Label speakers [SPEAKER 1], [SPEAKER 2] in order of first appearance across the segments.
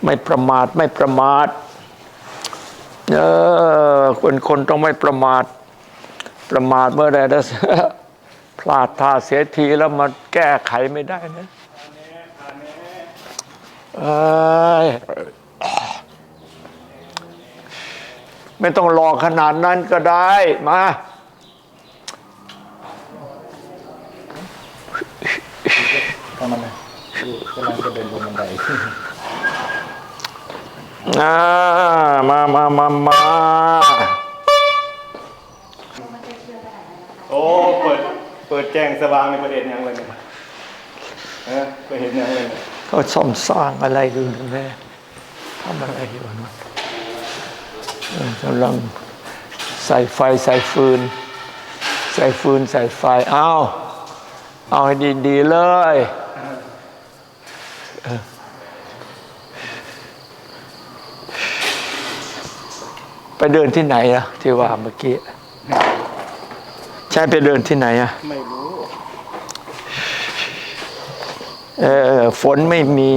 [SPEAKER 1] ไม่ประมาทไม่ประมาทคนต้องไม่ประมาทประมาทเมื่อใดแล้วพลาดท่าเสียทีแล้วมาแก้ไขไม่ได้นะไม่ต้องรอขนาดนั้นก็ได้มาก
[SPEAKER 2] ำอะไรกำลังจะเดินบนบันได
[SPEAKER 1] มา
[SPEAKER 2] โอ้เปิดแจ้งสว่างในประเด็นยังเลยไปเห็นยังเลย
[SPEAKER 1] เขาซ่อมสร้างอะไรดูนะแม่ทำอะไรอยู่นะกำลังใส่ไฟใส่ฟืนใส่ไฟเอาให้ดีๆเลยไปเดินที่ไหนอะที่ว่าเมื่อกี้ใช่ไปเดินที่ไหนอะ
[SPEAKER 2] ไม่รู้
[SPEAKER 1] ฝนไม่มี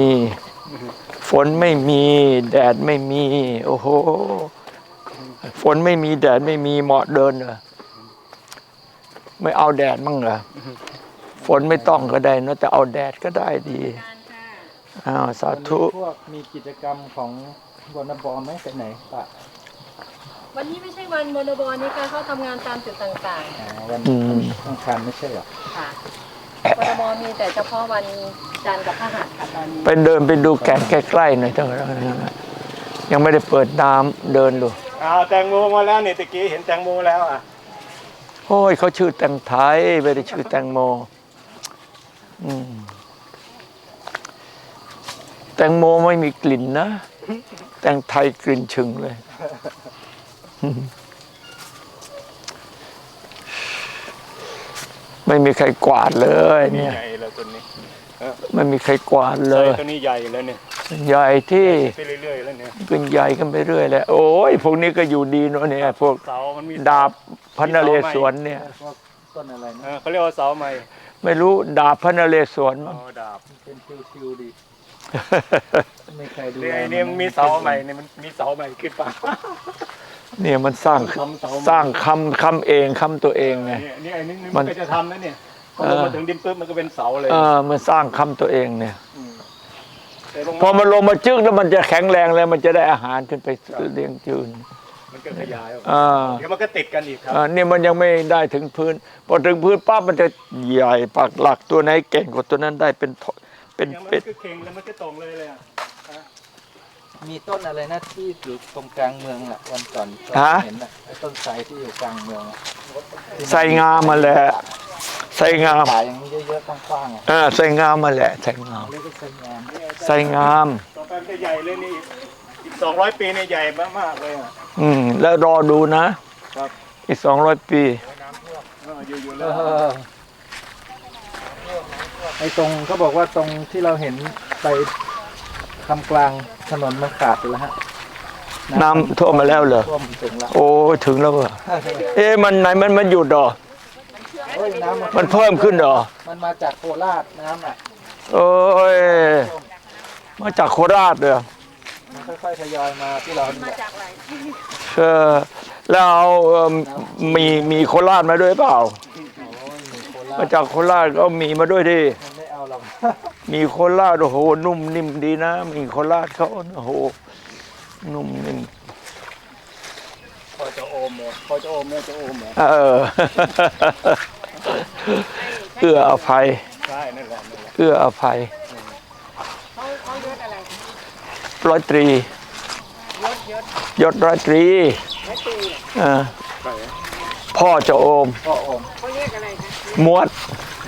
[SPEAKER 1] แดดไม่มีโอ้โหฝนไม่มีแดดไม่มีเหมาะเดินเหรอไม่เอาแดดมั่งเหรอฝนไม่ต้องก็ได้นะแต่เอาแดดก็ได้ดีสาธุ
[SPEAKER 2] พวกมีกิจกรรมของบนบอไหมไปไหนปะ
[SPEAKER 3] วันนี้ไม่ใช่วันบนบนี่ค่ะเขาทำงานตามจุดต่าง
[SPEAKER 2] ๆวันอังคารไม่ใช่หรอ
[SPEAKER 3] ค่ะบนบมีแต่เฉพาะวันจันทร์กับพฤหัสค่ะตอนนี้
[SPEAKER 1] ไปเดินไปดูแก่นใกล้ๆหน่อยเถอะยังไม่ได้เปิดน้ำเดินดู
[SPEAKER 2] แตงโมมาแล้วนี่ตะกี้เห็นแตงโมแล้ว
[SPEAKER 1] โอ้ยเขาชื่อแตงไทยไม่ได้ชื่อแตงโมแตงโมไม่มีกลิ่นนะแตงไทยกลิ่นชึงเลยไม่มีใครกวาดเลยเนี่ย
[SPEAKER 2] ใหญ่เลยตัวนี้
[SPEAKER 1] ไม่มีใครกวาดเลย
[SPEAKER 2] ตัวนี้ใหญ่เลยเนี่ย
[SPEAKER 1] ใหญ่ที่
[SPEAKER 2] ไปเรื่อยๆแล้วเนี่ย
[SPEAKER 1] เป็นใหญ่กันไปเรื่อยแล้วโอ้ยพวกนี้ก็อยู่ดีเนาะเนี่ยพวกดาบพระนเรศวรเนี่ย
[SPEAKER 2] ต้นอะไรนะเขาเรียกว่าเสาไม้
[SPEAKER 1] ไม่รู้ดาบพระนเรศวรมั้ง
[SPEAKER 2] ดาบเป็นชิวๆดีไม่ใครดูเนี่ยมีเสาใหม่เนี่ยมันมีเสาใหม่ขึ้นป่ะ
[SPEAKER 1] เนี่ยมันสร้างคำเองคำตัวเองไง
[SPEAKER 2] นี่ไอ้นี่มันจะทำนะเนี่ยพอลงมาถึงดินปุ๊บมันก็เป็นเสาเลย
[SPEAKER 1] มันสร้างคำตัวเองเนี่ยพอมันลงมาจึ๊กแล้วมันจะแข็งแรงแล้วมันจะได้อาหารขึ้นไปเลี้ยงจืน
[SPEAKER 2] มันก็ขยายเดี๋ยวมันก็ติดกันอีกครับ
[SPEAKER 1] เนี่ยมันยังไม่ได้ถึงพื้นพอถึงพื้นปั๊บมันจะใหญ่ปักหลักตัวไหนเก่งกว่าตัวนั้นได้เป็น
[SPEAKER 2] เป็ดเข่งแล้วมันก็ตรงเลยมีต้นอะไรนะที่อยู่ตรงกลางเมืองอ่ะวันก่อนเห็นอ่ะไอ้ต้นไทรที่อยู่กลางเมือง
[SPEAKER 1] ไทรงามมาแหละไทรงาม
[SPEAKER 2] ขายอย่างนี้เยอะๆกว้าง
[SPEAKER 1] ๆไทรงามมาแหละไทรงามไทรงาม
[SPEAKER 2] ต่อไปจะใหญ่เลยนี่อีก200 ปีเนี่ยใหญ่มากๆเลย
[SPEAKER 1] แล้วรอดูนะครับอีก200 ปี
[SPEAKER 2] อยู่ๆแล้วไอ้ตรงเขาบอกว่าตรงที่เราเห็นไปทำกลางถนนมันขาดไปแล้วฮะ
[SPEAKER 1] น้ำท่วมมาแล้วเหรอโอ้ถึงแล้วเหรอมันไหนมันหยุดหรอมันเพิ่มขึ้นหรอ
[SPEAKER 2] มันมาจากโคราชน้ำอ่ะ
[SPEAKER 1] โอ้ยมาจากโคราชเหรอ
[SPEAKER 2] มันค่อยๆทยอยมาที่เรา
[SPEAKER 3] มาจากไหน
[SPEAKER 1] แล้วมีโคราชมาด้วยเปล่ามาจากโคราชก็มีมาด้วยดิ
[SPEAKER 2] ไม่เอาหรอก
[SPEAKER 1] มีโคราชโอ้โหนุ่มนิ่มดีนะมีโคราชเขาโอ้โหนุ่มนิ่ม
[SPEAKER 2] พอจะโอมเนี่ยพอจะโอมเนี่ยจะโอมเหรอ
[SPEAKER 1] เอื้ออภัย
[SPEAKER 2] ใช่นั่นแหละ
[SPEAKER 1] เอื้ออภัย
[SPEAKER 3] เขายศอะไร
[SPEAKER 1] ร้อยตรียศร้อยตรีพ่อจะโอม
[SPEAKER 3] เขาเรียกอะไรคะ
[SPEAKER 1] มวด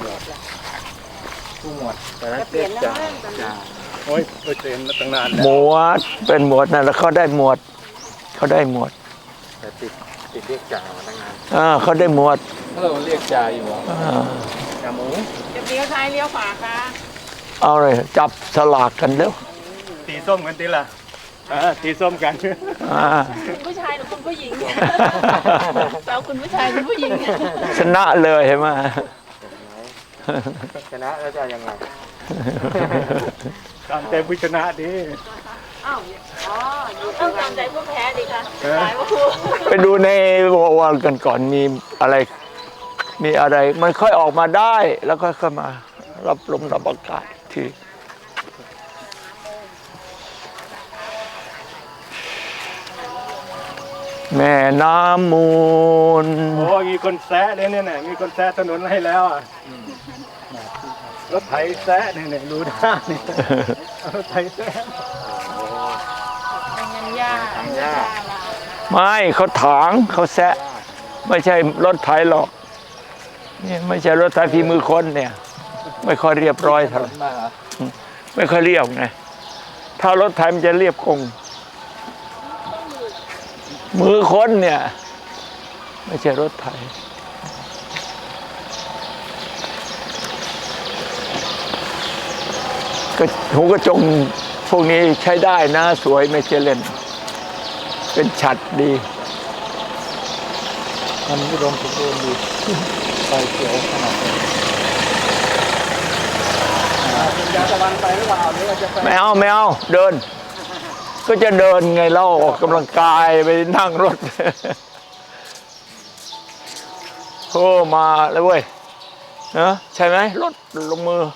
[SPEAKER 2] ผู้หมวดแต่ละเปลี่ยนจ่าโอ้ยเปลี่ยนมาตั้งนาน
[SPEAKER 1] หมวดเป็นหมวดนั่นแล้วเขาได้หมวด
[SPEAKER 2] แต่ติดเรียกจ่ามาตั้งนาน
[SPEAKER 1] เขาได้หมวด
[SPEAKER 2] เราเรียกจ่าอยู่จ่าหมู
[SPEAKER 3] จะเลี้ยวซ้ายเลี้ยวขวาค่ะ
[SPEAKER 1] เอาเลยจับสลากกันเร็ว
[SPEAKER 2] ตีส้มกันทีละตีส้มกัน
[SPEAKER 3] คุณผู้ชายหรือคุณผู้หญิงเราคุณผู้ชายคุณผู้หญิง
[SPEAKER 1] ชนะเลยเห็นไหม
[SPEAKER 2] ชนะแล้วจะยังไงตามใจผู้ชนะดิ
[SPEAKER 3] เอ้าวอ๋ออยู่ต้องตามใจผู้แพ้ดิค่ะสายว่าครู
[SPEAKER 1] ไปดูในวอลกันก่อนมีอะไร มีอะไร มันค่อยออกมาได้ แล้วค่อยๆมารับลมรับอากาศทีแม่น้ำมูล
[SPEAKER 4] โอ้มีคนแซะเลยเนี่ยมีคนแซะถนนให้แล้วอ่ะรถไถแซะเนี่ยรู้ได้เนี่ยรถไถแซะ
[SPEAKER 3] เป็นเงินยาก
[SPEAKER 1] ไม่เขาถางเขาแซะ ไม่ใช่รถไถหรอกนี่ไม่ใช่รถไถฝีมือคนเนี่ย ไม่ค่อยเรียบร้อยเท่าไหร่
[SPEAKER 2] มาเหรอ
[SPEAKER 1] ไม่ค่อยเรียบไงถ้ารถไถมันจะเรียบคง มือคนเนี่ย ไม่ใช่รถไถก็หูกระจงพวกนี้ใช้ได้นะสวยไม่ใช่เล่น เป็นฉัดดี
[SPEAKER 2] มันอุดมสมบูรณ์ดีใบเขียวขนาดนี้
[SPEAKER 4] เป็นยาตะวันไปหรือเปล่าหรือว่าจะไป
[SPEAKER 1] ไม่เอาไม่เอาเดิน ก็จะเดินไงเล่าออกกำลังกายไปนั่งรถ โอ้มาแล้วเว้ยนะใช่ไหมรถลงมือ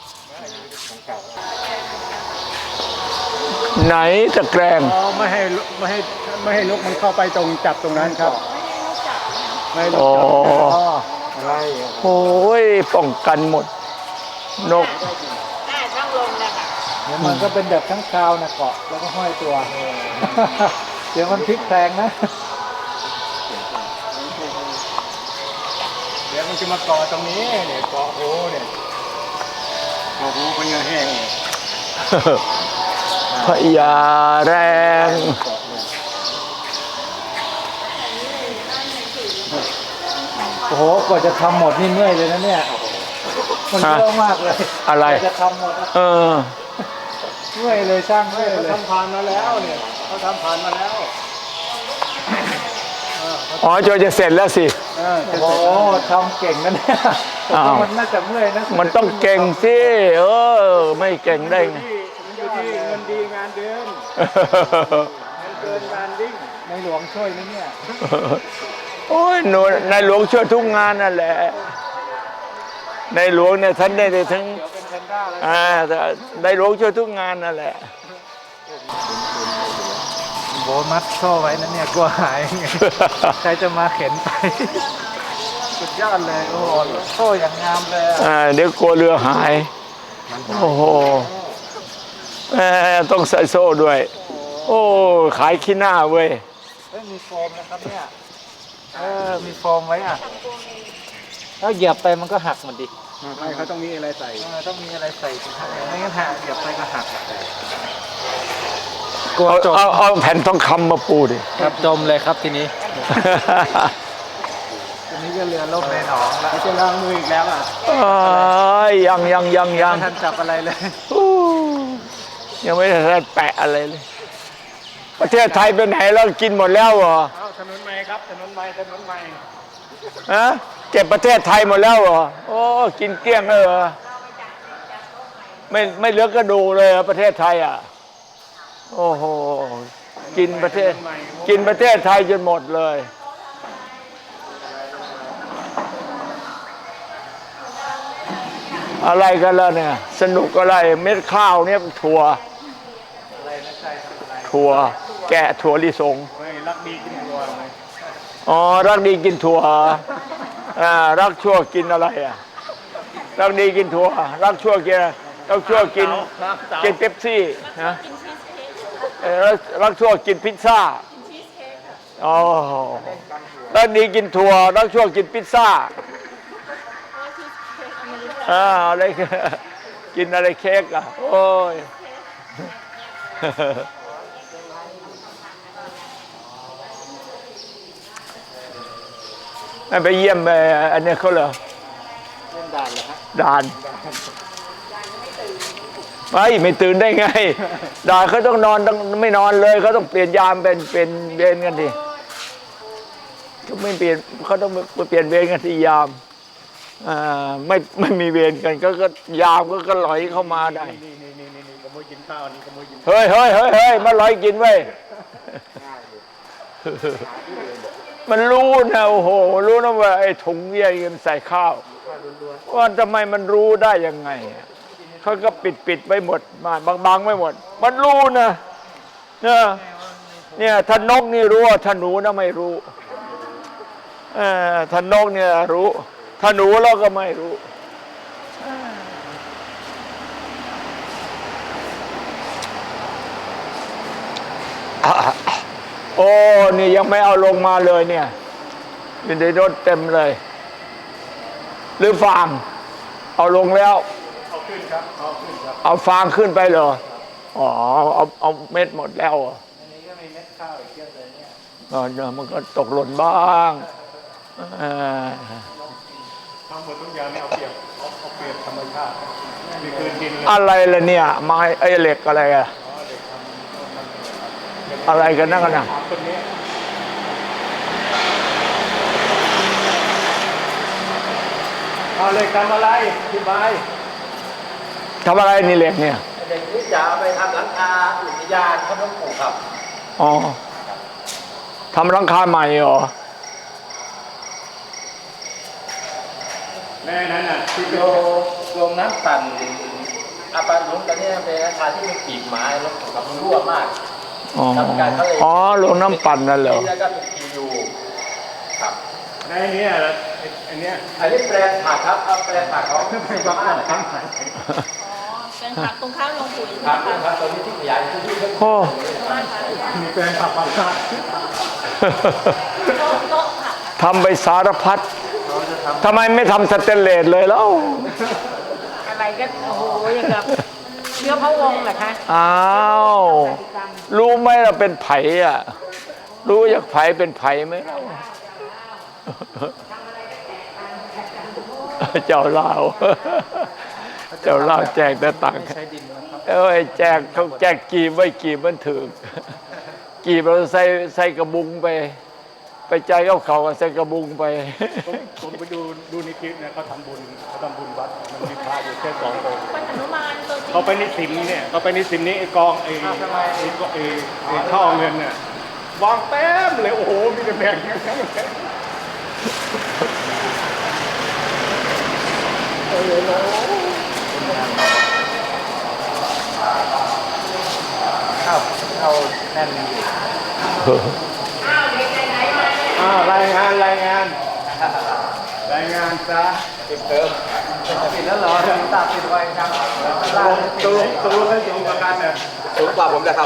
[SPEAKER 1] ไหนตะแกรง
[SPEAKER 4] อ๋อไม่ให้นกมันเข้าไปตรงจับตรงนั้นครับไม่ให้นก
[SPEAKER 1] อ๋อ
[SPEAKER 4] จับ
[SPEAKER 2] อ๋ออะไรอ่ะ
[SPEAKER 1] โอ้ยป้องกันหมด นก
[SPEAKER 3] ได้ต้องลงนะคะ
[SPEAKER 2] เดี๋ยวมันก็เป็นแบบทั้งคราวนะเกาะแล้วก็ห้อยตัว เดี๋ยวมันพลิกแพลงนะ
[SPEAKER 4] เดี๋ยวมันจะมาเกาะตรงนี้เนี่ยเกาะหูเนี่ยเกาะหูเป็นยังแห้งเนี่ย
[SPEAKER 1] พญาแรง
[SPEAKER 2] โอ้โหกว่าจะทำหมดนี่เมื่อยเลยนะเนี่ยมันเยอะมากเลย
[SPEAKER 1] อะไร
[SPEAKER 2] กว่าจะทำหมดนะ
[SPEAKER 1] เออ
[SPEAKER 2] เมื่อยเลยช่างเมื่อย
[SPEAKER 4] เขา
[SPEAKER 2] เลย
[SPEAKER 4] ทำผ่านมาแล้วเนี่ยเขาทำผ่านมาแล้ว
[SPEAKER 1] อ๋อจอยจะเสร็จแล้วสิ
[SPEAKER 4] จะ
[SPEAKER 2] โอ้
[SPEAKER 4] เสร็จ
[SPEAKER 2] โห
[SPEAKER 4] แล้ว
[SPEAKER 2] ทำเก่งนะเนี่ย
[SPEAKER 1] อ้าว
[SPEAKER 2] มันน่าจะเมื่อยนะ
[SPEAKER 1] มันต้องเก่งสิ เออ ไม่เก่งได้ไง
[SPEAKER 4] มันอยู่ที่เงินดีงานเดินเงินเกินงานดิ้ง
[SPEAKER 2] ในหลวงช่วยนะเนี่ย
[SPEAKER 1] โอ้ยหนูในหลวงช่วยทุกงานนั่นแหละ ในหลวงเนี่ยท่านได้ทั้ง
[SPEAKER 2] เดี๋ยวเป็นแพนด้าแล้ว
[SPEAKER 1] ในหลวงช่วยทุกงานนั่นแหละ
[SPEAKER 2] โบมัดโซ่ไว้นะเนี่ยกลัวหายไง ใครจะมาเข็นไป สุดยอดเลยโอ้โหโซ่อย่างงามเลยอะ
[SPEAKER 1] เดี๋ยวกลัวเรือหาย โอ้โหต้องใส่โซ่ด้วย โอ้ขายขี้หน้าเว้ย
[SPEAKER 2] เฮ้ยมีโฟมนะครับเนี่ยมีโฟมไว้อ่ะถ้าเหยียบไปมันก็หักหมันดิ
[SPEAKER 4] ไม่เขาต้องมีอะไรใส่
[SPEAKER 2] ต้องมีอะไรใส่ถุงเท้าไม่งั้นหักเหยียบไปก็หักกลัวจม
[SPEAKER 1] เอาแผ่นทองคำมาปูดิ
[SPEAKER 2] ครับจมเลยครับทีนี้ ทีนี้ก็เรือล่มในหนองแล้ว
[SPEAKER 4] เขาจะล้างมืออีกแล้วอ่ะ
[SPEAKER 1] ยัง
[SPEAKER 2] ไม่ทันจับอะไรเลย
[SPEAKER 1] อู้ยังไม่ได้แปะอะไรเลย ประเทศไทยเป็นไหนแล้วกินหมดแล้วเหรอ
[SPEAKER 4] เอาถนนใหม่ครับถนนใหม่ถนนใหม่
[SPEAKER 1] ฮะเก็บประเทศไทยหมดแล้วเหรอโอ้กินเกลี้ยงเลยเหรอไม่เหลือกระดูเลยเหรอประเทศไทยอ่ะโอ้โหกินประเทศไทยจนหมดเลย อะไรกันแล้วเนี่ย สนุกอะไรเม็ดข้าวเนี่ยถั่วแกะถั่วลิสง
[SPEAKER 4] เฮ้ยรักดีกินตัวไหม
[SPEAKER 1] อ๋อรักดีกินถั่วรักชั่วกินอะไรอ่ะรักดีกินถั่วรักชั่วกินรักชั่วกินเป๊ปซี่นะรักชั่วกินพิซซ่าอ๋อรักดีกินถั่วรักชั่วกินพิซซ่าอะไรกินอะไรเค้กอ่ะโอ้ยไปเยี่ยมอันนี้เขาเหรอ
[SPEAKER 2] เล่นด่านเหรอฮะ
[SPEAKER 1] ด่านไม่ตื่นได้ไง ด่านเขาต้องนอนต้องไม่นอนเลยเขาต้องเปลี่ยนยามเป็นเวรกันทีเขาไม่เปลี่ยนเขาต้องเปลี่ยนเวรกันที่ยามไม่มีเวรกันก็ยามก็ไหลเข้ามาได้
[SPEAKER 4] นี่ผมยกินข้าวนี่ขโมยกิน
[SPEAKER 1] เฮ้ยเฮ้ยเฮ้ยเฮ้ยมาลอยกินไว้ยมันรู้นะโอ้โหรู้นะว่าไอ้ถุงเยี่ยมใส่ข้าวว่าทำไมมันรู้ได้ยังไงเขาก็ปิดไว้หมดมาบางไว้หมดมันรู้นะเนี่ยท่านนกนี่รู้ท่านหนูนะไม่รู้ท่านนกเนี่ยรู้ท่านหนูเราก็ไม่รู้โอ้นี่ยังไม่เอาลงมาเลยเนี่ยอยู่ในรถเต็มเลยหรือฟางเอาลงแล้ว
[SPEAKER 4] เอาขึ้นครับเอาขึ้นครับ
[SPEAKER 1] เอาฟางขึ้นไปเหรออ๋อเอาเม็ดหมดแล้วเหรอ
[SPEAKER 2] อันนี้ก็มีเม็ดข้าวอีกเยอะเลยเนี่ย
[SPEAKER 1] มันก็ตกหล่นบ้าง
[SPEAKER 4] ทั้งหมดทุกอย่างเนี่ยเอาเปรียบธรรมชาติมีคืนดินเลย
[SPEAKER 1] อะไรล่ะเนี่ยไม้ไอ้เหล็กอะไรอะอะไรกันนั่นกันนะ
[SPEAKER 4] คนนี้เอาเลยทำอะไรอธิบาย
[SPEAKER 1] ทำอะไรนี่เหล็กเนี่ย
[SPEAKER 2] เด็กที่จะเอาไปทำหลังคาอุทยานเขาต้องปลูกครับ
[SPEAKER 1] อ๋อทำหลังคาใหม่เหรอ
[SPEAKER 4] แม่นั้นน่ะที่
[SPEAKER 2] โรงน้ำปั่นอาปาลุงตอนนี้เป็นอาคารที่มีปีกไม้แล้วมันรั่วมาก
[SPEAKER 1] อ๋อโรงน้ำปั่นนั่นเหรอ
[SPEAKER 2] แล้วก็เป็นทียูครับ
[SPEAKER 4] ในนี้อันเนี้ย
[SPEAKER 2] อันนี้แปลงผักครับเอาแปลงผักเขา
[SPEAKER 4] เป็นความสำคัญ
[SPEAKER 3] อ๋อเป็นผักตรงข้ามโรงปุ๋ย
[SPEAKER 2] ครั
[SPEAKER 3] ใช่
[SPEAKER 2] บ
[SPEAKER 3] ไหม
[SPEAKER 2] ครั
[SPEAKER 3] คะ
[SPEAKER 2] บตอนนี้ที่ขยายพื้นที่เพิ่ม
[SPEAKER 1] โอ้
[SPEAKER 3] บ้านค่ะ
[SPEAKER 4] มีแปลงผักผักชาติ
[SPEAKER 3] โต๊ะผัก
[SPEAKER 1] ทำไปสารพัด
[SPEAKER 2] เขาจะท
[SPEAKER 1] ทำไมไม่ทำสเตนเลสเลยแล้ว
[SPEAKER 3] อะไรก็โอ้โหอย่างกับเชื้อพระวงศ์เหรอคะ
[SPEAKER 1] อ้าวรู้ไหมเราเป็นไผ่อะรู้อยากไผ่เป็นไผ่ไหมเราเจ้าเล่าเจ้าเล่าแจกแต่ตังค์
[SPEAKER 2] ำใช้ดินนะครับ
[SPEAKER 1] เอ้ยแจกเขาแจกกีบไว้กีบมันถึงกีบเราใส่กระบุงไปใจเขาใส่กระบุงไป
[SPEAKER 4] ผมไปดูในคลิปเนี่ยเขาทำบุญวัดมันมีพระอยู่แค่2 องค์
[SPEAKER 3] เป็นหนุมานตัวจริง
[SPEAKER 4] เขาไปในสิมเนี่ยเขาไปในสิมนี้ไอ้กองไอ้ท่อเงินเนี่ยวางเต็มเลยโอ้โหมีแต่แบ่งอย่างนั้นเลย
[SPEAKER 2] เข้าแน่นอยู่
[SPEAKER 4] รายงานซะ
[SPEAKER 2] ติดเติมปิดแล้วเหรอตาปิดไว้ครับ
[SPEAKER 4] ตูให้สูงกว่ากันเนี่ย
[SPEAKER 2] สูงกว่าผมเลยครับ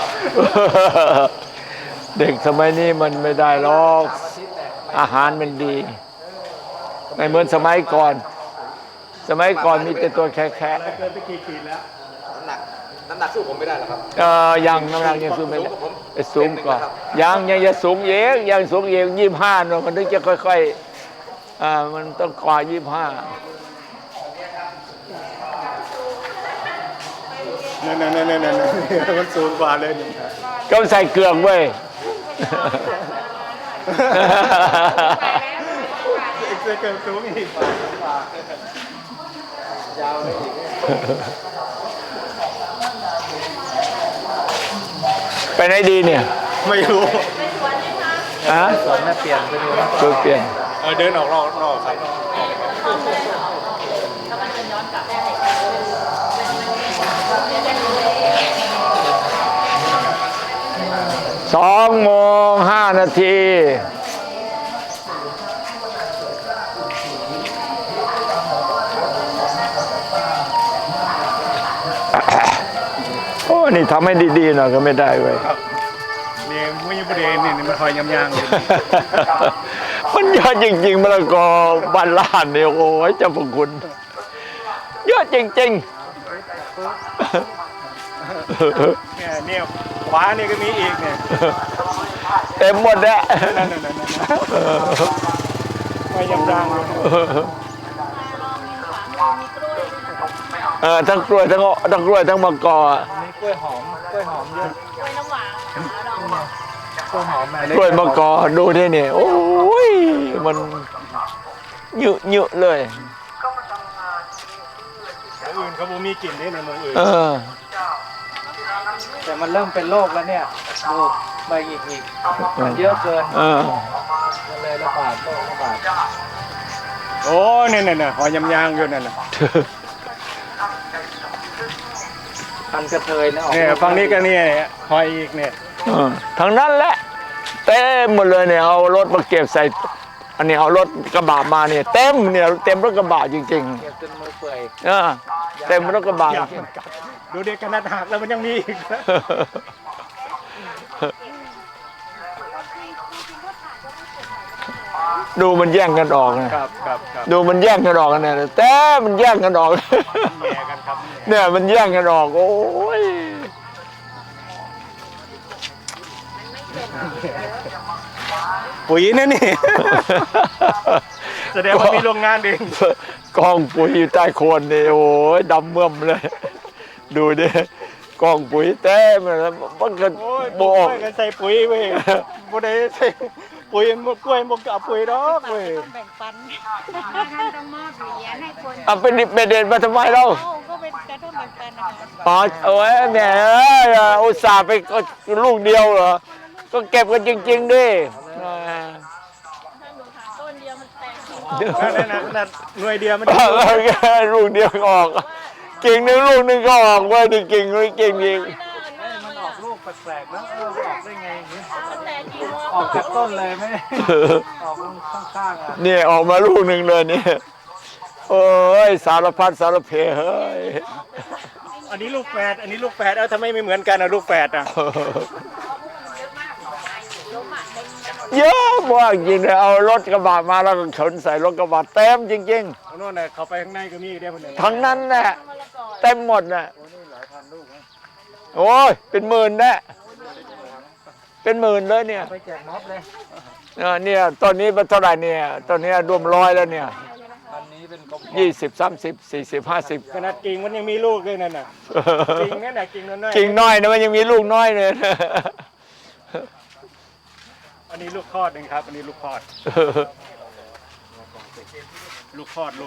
[SPEAKER 1] เด็กสมัยนี้มันไม่ได้หรอก อาหารมันดี ไม่เหมือนสมัยก่อน สมัยก่อนมีแต่ตัวแค่
[SPEAKER 4] เกินไปกี่ขีดแล้ว
[SPEAKER 2] น้ำหนักสู้ผมไม่ได้หรอครับ
[SPEAKER 1] ยังน้ำหนักยังสูงไม่ได้สูงกว่ายังจะสูงเองยังสูงเอง25เนอะมันถึงจะค่อยๆมันต้องกว่า25
[SPEAKER 4] นั่นมันสูงกว่าเลยนี่
[SPEAKER 1] ก็ใส่เกลือกเว้ย
[SPEAKER 4] จะเกินสูงอีก
[SPEAKER 2] ยาวเลยอีก
[SPEAKER 1] ไปไหนดีเนี่ย
[SPEAKER 4] ไม่รู้
[SPEAKER 1] ฮะ
[SPEAKER 2] สวนแม่เปลี่ยนไปดูนะ
[SPEAKER 1] ช่วยเปลี่ยน
[SPEAKER 4] เดินออกนอกครับ
[SPEAKER 1] 2:05 โอ้นี่ทำให้ดีๆหน่อยก็ไม่ได้เว้ย
[SPEAKER 4] นี่มุ้ยประเด็นนี่มันคอยยำๆอยู่
[SPEAKER 1] มันเยอะจริงๆมะละกอบ้านล้านเนี่ยโอ้ยเจ้าพระคุณเยอะจริงๆ
[SPEAKER 4] เนี่ยขวานี่ก็มีอีกเนี่ย
[SPEAKER 1] เต็มหมดแล้ว
[SPEAKER 4] นั่นไม่ยำๆเลย
[SPEAKER 1] ทั้งกล้วยทั้งกล้วยทั้งมะกอ
[SPEAKER 2] มีกล้วยหอมเยอะ
[SPEAKER 3] กล้วยน้ำหวานลองบอก
[SPEAKER 2] กล้วยหอม
[SPEAKER 1] กล้วยมะกอดูที่นี่โอ้ยมันเยอะเลย
[SPEAKER 4] อื่นเขาบ่มีกลิ่นนี่ในเมืองอื่น
[SPEAKER 3] ม
[SPEAKER 2] แต่มันเริ่มเป็นโรคแล้วเนี่ยดูใบหงิกๆมันเยอะเกิน มันเลยระบาดโรคระบาด
[SPEAKER 4] โอ้เนี่ยหอยยำยางอยู่นั่นน่ะ
[SPEAKER 2] พันกระเทยนะออก
[SPEAKER 4] เนี่ยฝั่งนี้ก็เนี่ยหอยอีกเนี่ย
[SPEAKER 1] ทางนั้นแหละเต็มหมดเลยเนี่ยเอารถมาเก็บใส่อันนี้เอารถกระบะมาเนี่ยเต็มเนี่ยเต็มรถกระบะจริง
[SPEAKER 2] เก็บจนมือเปื่อย
[SPEAKER 1] เต็มรถกระบะ
[SPEAKER 4] ยางมันกัดดูเด็กขนาดหักแล้วมันยังมีอีกนะ
[SPEAKER 1] ดูมันแย่งกันออกนะครับ
[SPEAKER 4] ครับ
[SPEAKER 1] ดูมันแย่งกันออกกันเนี่ยแต่มันแย่งกันออก
[SPEAKER 4] แย่กันครับ
[SPEAKER 1] เนี่ยมันแย่งกันออกโอ้ย
[SPEAKER 4] ปุ๋ยนั่นนี่ แสดงว่ามีโรงงานเอง
[SPEAKER 1] กองปุ๋ยอยู่ใต้โคนนี่โอ้ยดำเมื่อมเลย ดูดิกองปุ๋ยเต็มเลยมันก็
[SPEAKER 4] โอ้ย
[SPEAKER 1] บ
[SPEAKER 4] ก
[SPEAKER 1] อ
[SPEAKER 4] ล้
[SPEAKER 1] ก
[SPEAKER 4] วยกันใส่ปุ๋ยเว้ยบ่ได้ใส่ปุ๋ยมันกล้วยมันกับปุ๋ยดอกเว้ย
[SPEAKER 3] แบ่งปัน
[SPEAKER 5] ท่านต้องมอบเหรียญให้คน
[SPEAKER 1] เอาเป็นเด็ดมาทำไมเรา
[SPEAKER 3] เอ้าก็เป็นกระท่อมแบ่งปันนะคะ
[SPEAKER 1] อ๋อโอ้ยแหมอุตส่าห์ไปก็ลูกเดียวเหรอก็เก็บกันจริงๆดิ
[SPEAKER 3] ถ้าหนูถามต้นเดียวมันแตกกิ่งออก
[SPEAKER 4] นั่นหน่วยเดียวมัน
[SPEAKER 1] ลูกเดียวก็ออกกิ่งหนึงลูกหนึงก็ออกไว้ดิกิ่งเลยกิ่งอีก
[SPEAKER 2] มันออกลูกแปลกๆนะออกได้ไงอย่างนี้
[SPEAKER 3] มันแตกกิ่ง
[SPEAKER 2] ออกจากต้นเลยไหมออกข้างๆอ่ะ
[SPEAKER 1] เนี่ยออกมาลูกหนึ่งเลยเนี่ยโอ้ยสารพัดสารเพเฮ้ย
[SPEAKER 4] อันนี้ลูกแฝดอันนี้ลูกแฝดเอ้าทำไมไม่เหมือนกันอ่ะลูกแฝดอ่ะ
[SPEAKER 1] เยอะมากจริงเลยเอารถกระบะมาแล้วก็ขนใส่รถกระบะเต็มจริง
[SPEAKER 4] เอาโน่นน่ะเข้าไปข้างในก็มีอีกเดียวคนหนึ่ง
[SPEAKER 1] ๆทั้งนั้นแหละเต็มหมดน่ะโอ้ยเป็นหมื่นแน่เป็นหมื่นเลยเนี่ย
[SPEAKER 2] ไปแจกม็อบเลย
[SPEAKER 1] เนี่ยตอนนี้เป็นเท่าไหร่เนี่ยตอนนี้รวมร้อยแล้วเนี่ย
[SPEAKER 2] อันนี้เป็นกบ
[SPEAKER 1] 20 30 40 50
[SPEAKER 4] ขนาดกิ่งมันยังมีลูกเลยนั่นน่ะกิ่งนั่นน่ะกิ่งน้อยๆ
[SPEAKER 1] กิ่งน้อยนะมันยังมีลูกน้อยเลย
[SPEAKER 4] อันนี้ลูกคลอดหนึ่งครับ อันนี้ลูกคลอด ลูกคลอด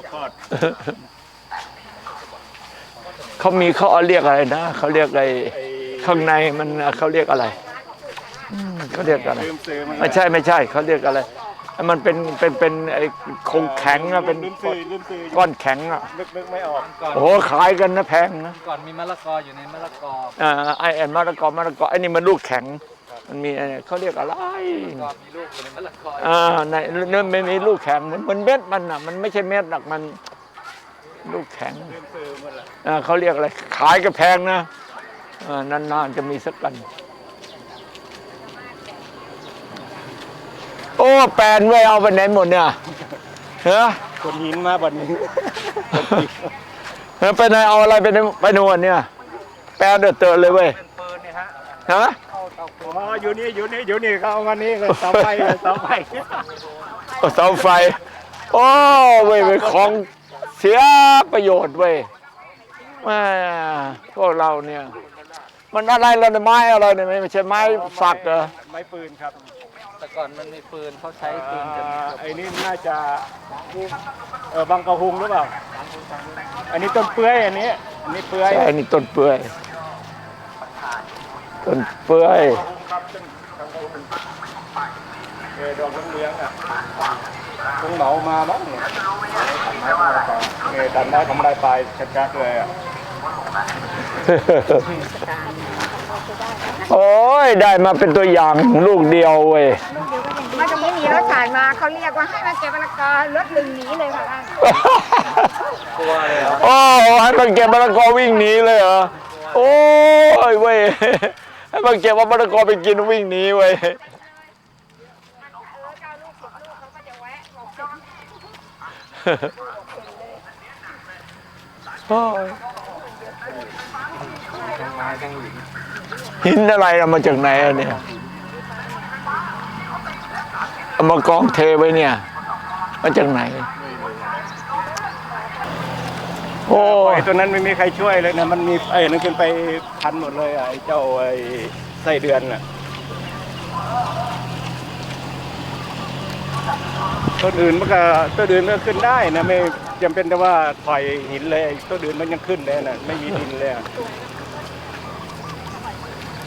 [SPEAKER 1] เขามีเขาเรียกอะไรนะเขาเรียกอะไร
[SPEAKER 4] ไอ้
[SPEAKER 1] ข้างในมันเขาเรียกอะไรเขาเรียกอะไร
[SPEAKER 4] ลืมซื้อมัน
[SPEAKER 1] ไม่ใช่เขาเรียกอะไรมันเป็นไอ้คงแข็งอะเป็น
[SPEAKER 4] ลืมซื้อ
[SPEAKER 1] ก้อนแข็งอะ
[SPEAKER 4] นึกไม่ออก
[SPEAKER 2] ก่อน
[SPEAKER 1] โอ้โหขายกันนะแพงนะ
[SPEAKER 2] ก่อนมีมะละกออยู่ในมะละกอ
[SPEAKER 1] ไอแอนมะละกอไอ้นี่มันลูกแข็งมันมีอะไรเขาเรียกอะไร
[SPEAKER 2] ก่อนมีลูกอยู่ในมะละกอ
[SPEAKER 1] ในเนื้อไม่มีลูกแข็งเหมือนเม็ดมันอะมันไม่ใช่เม็ดหรอกมันลูกแข็ง
[SPEAKER 4] ลืมซื้อหมดละ
[SPEAKER 1] เขาเรียกอะไรขายก็แพงนะนานๆจะมีสักกันโอ้แปลนไว้เอาไปไหนหมดเนี่ยฮะ
[SPEAKER 4] คนหินมาบัดนี้
[SPEAKER 1] ไปไหนเอาอะไรไปนวดเนี่ยแปลนเดือดเตือนเลยเว้ย
[SPEAKER 2] เป็นปืนเนี่ยฮะ
[SPEAKER 1] ฮะ
[SPEAKER 4] อ๋ออยู่นี่เขาเอามานี่เลยเสาไฟ
[SPEAKER 1] เสาไฟโอ้เว้ยเป็นของเสียประโยชน์เว้ยแม่พวกเราเนี่ยมันอะไรล่ะเนี่ยไม้อะไรเนี่ยไม่ใช่ไม้สักเหรอ
[SPEAKER 4] ไม้ปืนครับ
[SPEAKER 2] แต่ก่อนมันมีปืนเขาใช้ปืนกัน
[SPEAKER 4] ไอ้นี่น่าจะบางกระหุงหรือเปล่า อันนี้ต้นเปื่อยอันนี้เปื่อย
[SPEAKER 1] ใช่นี่ต้นเปื่อยต้นเปื่อย
[SPEAKER 4] ครับต้นบางกระหุงดอกเหลืองๆอ่ะคงเหมามาบ้างเนี่ยตัดไม้ทำลายปลายชัดๆเลยอ่ะ
[SPEAKER 1] โอ้ยได้มาเป็นตัวอย่างลูกเดียวเว้ย
[SPEAKER 5] มันจะไม่มีรถผ่านมาเขาเรียกว่าให้มาเก็บมะละกอรถลึงหนีเลยค่ะท่าน
[SPEAKER 2] กลัวเลยเหรอ
[SPEAKER 1] โอ้ให้มันเก็บมะละกอวิ่งหนีเลยเหรอโอ้ยเว้ยให้มันเก็บว่ามะละกอไปกินวิ่งหนีเว้ย โอ้ย
[SPEAKER 2] ทั้งไม้ทั้งหิน
[SPEAKER 1] หินอะไรเอามาจากไหนอะเนี่ยเอามากองเทไว้เนี่ยมาจากไหนโอ้
[SPEAKER 4] ไอ้ตัวนั้นไม่มีใครช่วยเลยนะ มันมีไอ้นั่นขึ้นไปพันหมดเลยอ่ะไอ้เจ้าไอ้ไส้เดือนอ่ะต้นอื่นมันก็ต้นอื่นมันก็ขึ้นได้นะไม่จำเป็นแต่ว่าถอยหินเลยต้นอื่นมันยังขึ้นเลยนะไม่มีดินเลยอะ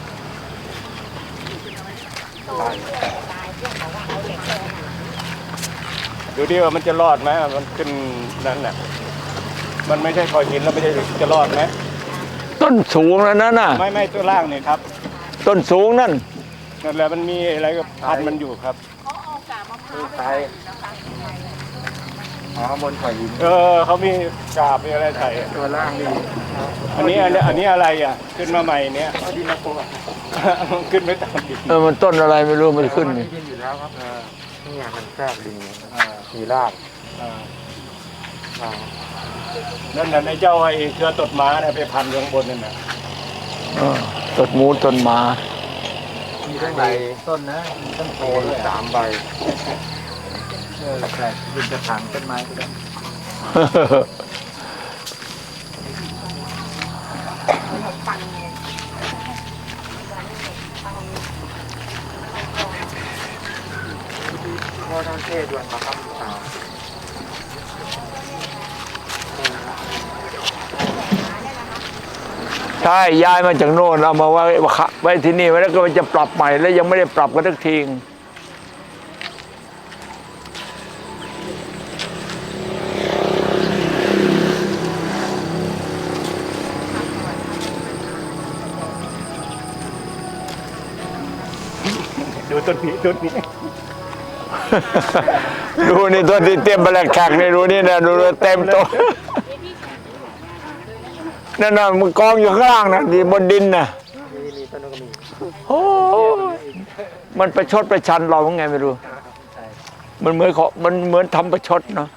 [SPEAKER 4] ดูดิว่ามันจะรอดไหมมันขึ้นนั้นน่ะมันไม่ใช่คอยหินแล้วไม่ใช่จะรอดไหม
[SPEAKER 1] ต้นสูงแล้วนั่นน่ะ
[SPEAKER 4] ไม่ตัวล่างนี่ครับ
[SPEAKER 1] ต้นสูงนั่น
[SPEAKER 4] นั่นแหละมันมีอะไรกับพันมันอยู่ครับ
[SPEAKER 2] ไทยอ๋อบนข่อยหิน
[SPEAKER 4] เขามีกาบมีอะไรใส่
[SPEAKER 2] ตัวล่างนี่
[SPEAKER 4] อันนี้อะไรอ่ะขึ้นมาใหม่เนี้ยดินโปขึ้นไม่ตามดิน
[SPEAKER 1] มันต้นอะไรไม่รู้มันขึ้นนี่
[SPEAKER 2] ดินอยู่แล้วครับนี่มันแคบดินมีราก
[SPEAKER 4] นั่นน่ะไอ้เจ้าไอ้เครือตดม้าเนี่ยไปพันอยู่ข้างบนนั่นน่ะ
[SPEAKER 1] ต้นหมูต้นหมา
[SPEAKER 2] มีทั้งใบต้นนะมีต้นโพเลย3 ใบแปลกดินจะถางต้นไม้ก็ได้พ่อท่านเทศด้วยครับ
[SPEAKER 1] ใช่ย้ายมาจากโน่นเอามาไว้ที่นี่ไว้แล้วก็มันจะปรับใหม่แล้วยังไม่ได้ปรับกันสักที
[SPEAKER 4] ดูต้นนี้
[SPEAKER 1] ดูนี่ตัวที่เตรียมไปแล้วแขกนี่ดูนี่นะดูเต็มโต๊ะนั่นน่ะมันกองอยู่ข้างล่างนะที่บนดินน่ะโอ้มันประชดประชันเราไงไม่รู้ มันเหมือนทำประชดเนาะ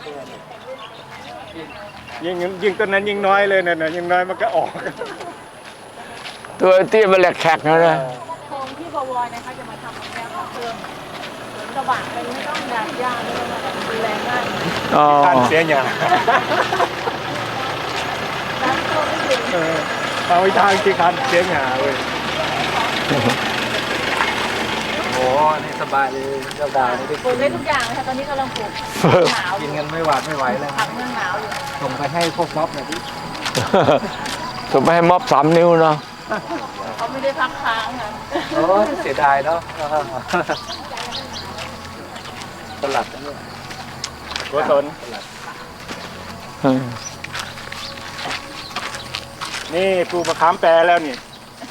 [SPEAKER 4] ยิ่งต้นนั้นยิ่งน้อยเลยน่ะยิ่งน้อยมันก็ออก
[SPEAKER 1] ตัวเตรียมไปแล้วแขกนะ
[SPEAKER 3] โครงที่บวรนะคะจะมาทำแนวของเครื่องสวนกระบะเป็นไม่ต้องยางย่างไม่ต้องอะไรดูแลง่าย
[SPEAKER 1] อ๋อ
[SPEAKER 4] การเสียหยา
[SPEAKER 3] น้ำท่วมไม่ถึง
[SPEAKER 4] เอาไปทางที่คันเสียหยาเว้ย
[SPEAKER 2] โอ้นี่สบายเลยเจ้าดาวนี่ได้
[SPEAKER 3] ปลูกได้ทุกอย่างนะคะตอนนี้กำลังปลูกหนาวอ
[SPEAKER 2] กิน
[SPEAKER 3] ยู่
[SPEAKER 2] กันไม่หวาดไม่ไหวเลย
[SPEAKER 3] ผักเมืองหนาวอยู่
[SPEAKER 2] ส่งไปให้พวกม็อบหน่อยดิ
[SPEAKER 1] ส่งไปให้ม็อบ3 นิ้วเนาะ
[SPEAKER 3] เขาไม่ได้พักค้างค่ะ
[SPEAKER 2] โอ้เสียดายเนาะตลัดนะเนี่ย
[SPEAKER 4] โกศลนี่ปลูกมะขามแปรแล้วนี่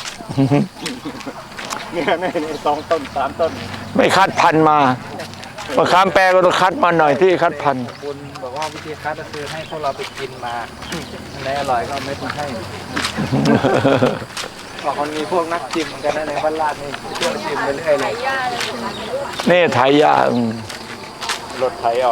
[SPEAKER 4] เนี่ยนี่2 ต้น 3 ต้น
[SPEAKER 1] ไม่คัดพันธุ์มามะขามแปรก็ต้องคัดมาหน่อยที่คัดพันธุ์
[SPEAKER 2] คุณบอกว่าวิธีคัดก็คือให้พวกเราไปกินมาอันไหนอร่อยก็เอาเม็ดมาให้บอกมันมีพวกนักชิมเหมือนกันนะในบ้านลาดนี่เที่ยวชิมไปเรื่อยเล
[SPEAKER 3] ไถ
[SPEAKER 2] ย
[SPEAKER 3] หญ้าเลย
[SPEAKER 1] นี่ไถยาร
[SPEAKER 4] ถไถเอา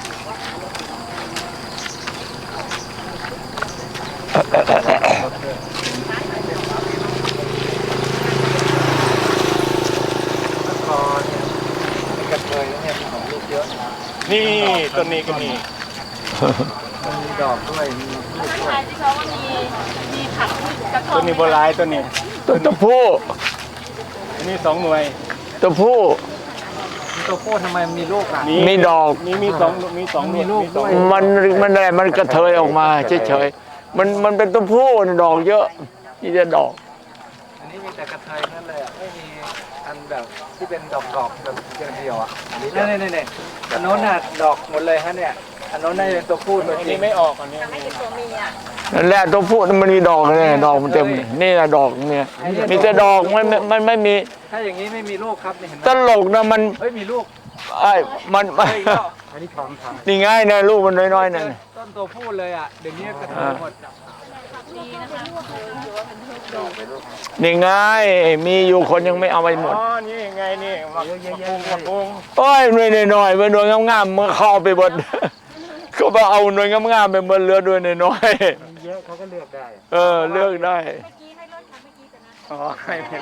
[SPEAKER 2] คอเนี่ยกระเทยแล้วเนี่ยมีของลูกเยอะ
[SPEAKER 4] นี่ต้นนี้ก็มี
[SPEAKER 2] มันมีดอกด้วยมีลูก
[SPEAKER 3] ไม่
[SPEAKER 2] ด้วย
[SPEAKER 3] ใช่ที่เขาว่ามีผักกระท่อ
[SPEAKER 4] ต้
[SPEAKER 3] ม
[SPEAKER 4] นนี้โบราณต้นนี้
[SPEAKER 1] ตัวผู้
[SPEAKER 4] อันนี้2 หน่วย
[SPEAKER 1] ตัวผู้
[SPEAKER 2] มีตัวโคตรทำไมมันมีลูกอ่ะ
[SPEAKER 1] มีดอก
[SPEAKER 4] มี2หน่วย
[SPEAKER 2] มีลูกด้วย
[SPEAKER 1] มันกระเทยออกมาเฉยๆมันเป็นตัวผู้นะดอกเยอะนี่จะดอก
[SPEAKER 2] อันนี้มีแต่กระเทยนั่นเลยอ่ะไม่มีอันแบบที่เป็นดอกแบบเดียวๆอ่ะอันนี้เนี่ยอันโน้นน่ะดอกหมดเลยฮะเนี่ยอันโน้นน่าจะเป็นตัวผู้ตัว
[SPEAKER 4] อัน
[SPEAKER 2] จริ
[SPEAKER 4] นี้
[SPEAKER 2] ง
[SPEAKER 4] ไม่ออกอันนี้
[SPEAKER 3] ให้เป็นตัวเมีย
[SPEAKER 1] นั่นแหละตัวผู้มันมีดอกเลยดอกมันเต็มเลยนี่นะดอกเนี่ยมีแต่ดอกมันไม่มี
[SPEAKER 2] ถ้าอย่างนี้ไม่มีลูกครับนี่เห็นไหม
[SPEAKER 1] ตลกนะมัน
[SPEAKER 2] เฮ้ยมีลูก
[SPEAKER 1] มัน
[SPEAKER 2] อันนี้ท้องทาง
[SPEAKER 1] นี่ง่ายนะลูกมันน้อยๆนั่น
[SPEAKER 2] ต้นตัวผู้เลยอ่ะเดี๋ยวนี้กระเทยหมด
[SPEAKER 3] ดีนะคะถือว่าเป็นพืชดอก
[SPEAKER 1] นี่ง่ายมีอยู่คนยังไม่เอาไปหมด
[SPEAKER 4] อ๋อนี่ไงนี่มะพุง
[SPEAKER 1] โอ้ยหน่อยๆเป็นหน่วยงามๆเมื่อเข้าไปหมดเขาไปเอาหน่วยงามๆไปหมดเหลือด้วยน้อย
[SPEAKER 2] มีเยอะเขาก็เลือกได้
[SPEAKER 1] ๆเลือกได้
[SPEAKER 4] อ๋อให้เป็น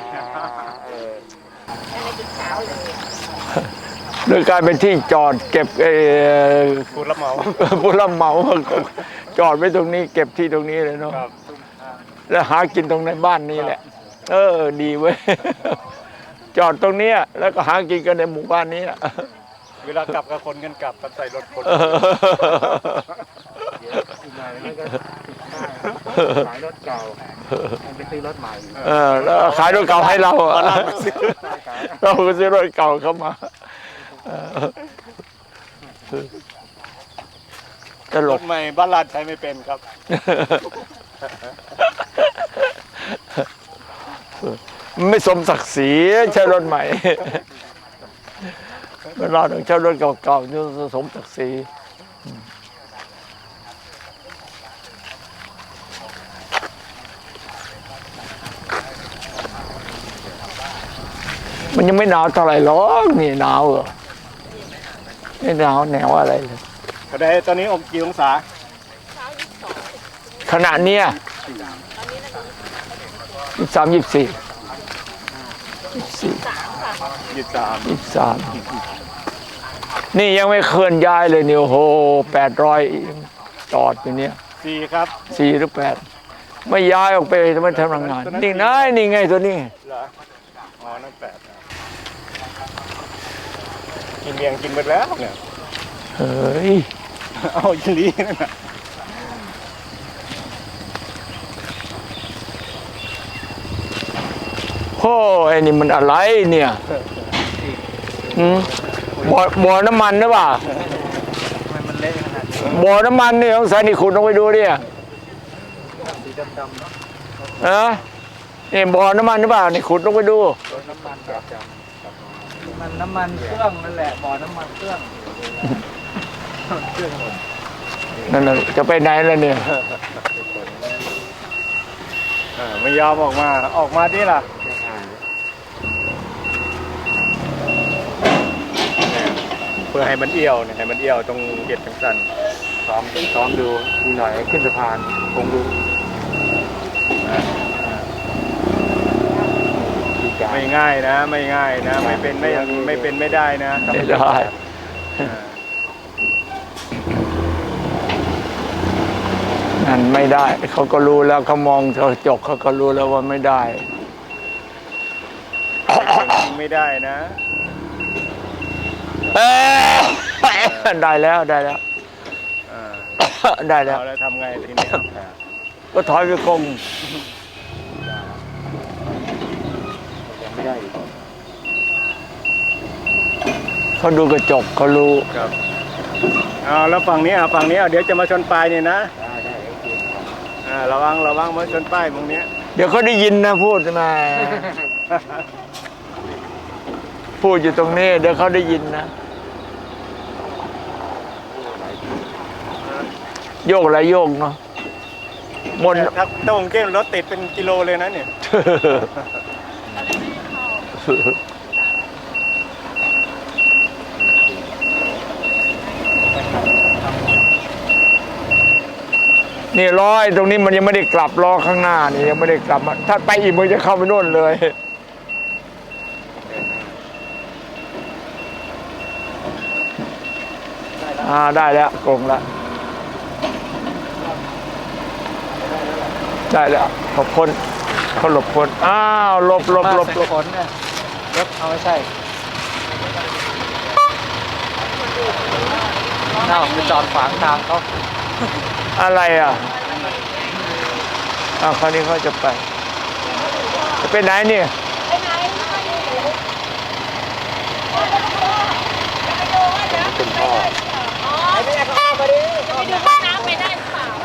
[SPEAKER 1] โดยกลายเป็นที่จอดเก็บ
[SPEAKER 4] ผู้รับเหมา
[SPEAKER 1] ผู้รับเหมาจอดไว้ตรงนี้ เก็บที่ตรงนี้เลยเนาะ
[SPEAKER 4] ครับ
[SPEAKER 1] แล้วหากินตรงในบ้านนี้แหละ ดีเว้ย จอดตรงเนี้ยแล้วก็หากินกันในหมู่บ้านนี้แหละ
[SPEAKER 4] เวลากลับกับคนกันกลับกับใส่รถคน
[SPEAKER 2] อีกหน่อยมันก็ขายรถเก่าไปซื้อรถใหม่
[SPEAKER 1] แล้วขายรถเก่าให้เราอะเราก็ซื้อรถเก่าเข้ามาตล
[SPEAKER 4] ร
[SPEAKER 1] ก
[SPEAKER 4] ถใหม่บ้านลาดใช้ไม่เป็นครับ
[SPEAKER 1] ไม่สมศักดิ์ศรีใช้รถใหม่เราต้องใช้รถเก่าๆนี่สมศักดิ์ศรีมันยังไม่หนาวเท่าไหร่หรอกนี่หนาวเหรอไม่หนาวแนวอะไรเลย
[SPEAKER 4] ก็ได้ตอนนี้กี่องศา
[SPEAKER 1] ขณะเนี้ย23 24 23นี่ยังไม่เคลื่อนย้ายเลยนี่โอ้โห800จอดอยู่เนี่ย
[SPEAKER 4] 4ครับ
[SPEAKER 1] 4 หรือ 8ไม่ย้ายออกไปทำไมทำงานนี่ไงนี่ไงตัวนี้
[SPEAKER 4] เหรออ๋อนั่น8กินเมียงกินไปแล้วเนี่ย
[SPEAKER 1] เฮ้ย
[SPEAKER 4] เอาอีหลีนั่นน่ะ
[SPEAKER 1] โอ้ไอ้นี่มันอะไรเนี่ยบ่อน้ำมันหรือเปล่า
[SPEAKER 2] ทำไมมันเละขนาดนี้
[SPEAKER 1] บ่อน้ำมันนี่ต้องใส่นี่ขุดลงไปดูดิ
[SPEAKER 2] สีดำๆเนาะ
[SPEAKER 1] นี่บ่อน้ำมันหรือเปล่านี่ขุดลงไปดู
[SPEAKER 2] รถน้ำมันแบบมันน้ำมันเครื่องนั่นแหละบ่อน้ำมันเครื่องเครื่องหมด
[SPEAKER 1] นั่นน่ะจะไปไหนล่ะเนี่ย
[SPEAKER 4] ไม่ยอมออกมาดิล่ะเพื่อให้มันเอี่ยวเนี่ยให้มันเอี่ยวตรงเก็ดทั้งสัน
[SPEAKER 2] ซ้อมดูมีหน่อยขึ้นสะพานคงดู
[SPEAKER 4] ไม่ง่ายนะไม่ง่ายนะไม่เป็นไม่ได้นะ
[SPEAKER 1] ไม่ได้นั่นไม่ได้เขาก็รู้แล้วเขามองกระจกเขาก็รู้แล้วว่าไม่ได้
[SPEAKER 4] ไม่ได้นะ
[SPEAKER 1] ได้แล้วได้แล้ว ได้แล้ว
[SPEAKER 4] เอาแล้วทำไงทีนี้
[SPEAKER 1] ก็ถอยไปกง
[SPEAKER 2] ไม่ได้อีก
[SPEAKER 1] เขาดูกระจกเขารู้
[SPEAKER 4] ครับเอาแล้วฝั่งนี้เดี๋ยวจะมาชนปลายเนี่ยนะ
[SPEAKER 2] ได้โอเค
[SPEAKER 4] ระวังมาชนป้ายตรงนี้
[SPEAKER 1] เดี๋ยวเขาได้ยินนะพูดมาพูดอยู่ตรงนี้ เดี๋ยวเขาได้ยินนะโยกอะไรโยกเนาะมน
[SPEAKER 4] ถ้าตรงเก้รถติดเป็นกิโลเลยนะเนี่ย
[SPEAKER 1] นี่ล้อตรงนี้มันยังไม่ได้กลับล้อข้างหน้านี่ยังไม่ได้กลับมาถ้าไปอีกมันจะเข้าไปโน่นเลยได้แล้วกงแล้วได้แล้วหลบพ้นเขาหลบพ้นอ้าวหลบ
[SPEAKER 2] ขนเนี่ยรถเอาไม่ใช่น่าไปจอดขวางทางเขา
[SPEAKER 1] อะไรอ่ะคราวนี้เขาจะไปไหนเนี่ย
[SPEAKER 3] ไปไหนคุณพ่ออ๋อไปดูห้องน้ำไปได้หรือเปล่า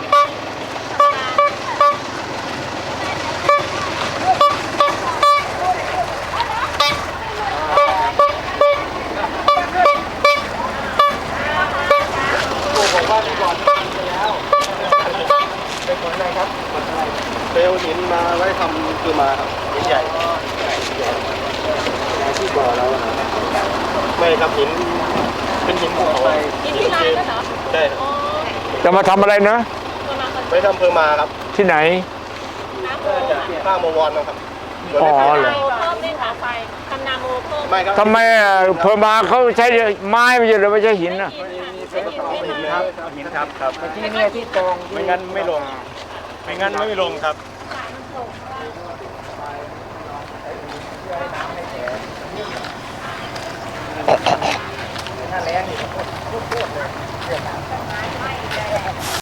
[SPEAKER 4] เบลหินมาไว้ทำคือมาครับหินใหญ่ที่บ่อเราไม่ครับหินเป็นหินภูเขา
[SPEAKER 3] กินที่ร้านแล้วเหรอ
[SPEAKER 4] ได้
[SPEAKER 3] อ๋อ
[SPEAKER 1] จะมาทำอะไรนะ
[SPEAKER 3] ตัวมาคน
[SPEAKER 4] ไปทำเพอมาครับ
[SPEAKER 1] ที่ไหน
[SPEAKER 3] น้ำโม
[SPEAKER 4] ข้างมวรนะครับ
[SPEAKER 1] อ๋อเหรอ
[SPEAKER 3] โมเพิ่มเนี่ยค่ะไฟทำนาโมเพิ่ม
[SPEAKER 4] ไม่ครับ
[SPEAKER 1] ทำไมเพอมาเขาใช้ไม้ไม่ใช่หรือไม่ใช่หินนะ
[SPEAKER 4] หินครับหินครับครับ
[SPEAKER 2] ที่เนี่ยที่ตรง
[SPEAKER 4] ไม่งั้นไม่ลงครับ
[SPEAKER 2] ถ้าแรงนี่